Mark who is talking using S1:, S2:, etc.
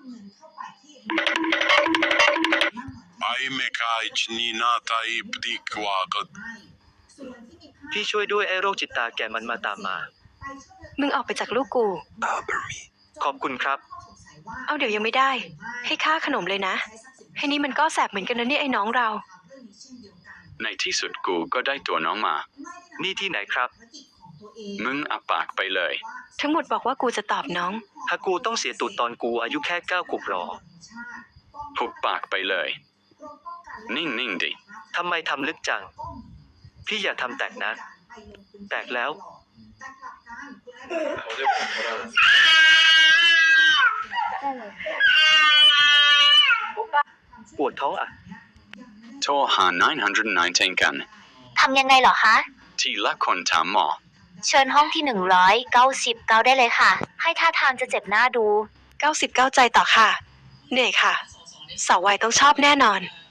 S1: Ai me cai chnina tai pdikwagat
S2: พี่ช่วยด้วยไอ้โรคจิตตาแก่มันมาตามมา
S3: มึงออกไปจากลูกกู
S2: ขอบคุณครับ
S3: เอาเดี๋ยวยังไม่ได้ ให้ค่าขนมเลยนะ ให้นี่มันก็แสบเหมือนกันนะเนี่ยไอ้น้องเรา
S4: ในที่สุดกูก็ได้ตัวน้องมา
S2: นี่ที่ไหนครับ
S4: มึงอับปากไปเลย
S3: ทั้งหมดบอกว่ากูจะตอบน้อง
S2: ถ้ากูต้องเสียตูดตอนกูอายุแค่9 ขวบหรอ
S4: หุบปากไปเลย นิ่งดิ
S2: ทำไมทำลึกจัง พี่อย่าทำแตกนะ แตกแล้ว ปวดท้องอ่ะ
S4: โทรหา919กัน
S5: ทำยังไงเหรอคะ
S4: ทีละคนถามหมอ
S5: เชิญห้องที่199ได้เลยค่ะ ให้ท่าทางจะเจ็บหน้าดู
S3: 99 ใจต่อค่ะ เหนื่อยค่ะ สาววัยต้องชอบแน่นอน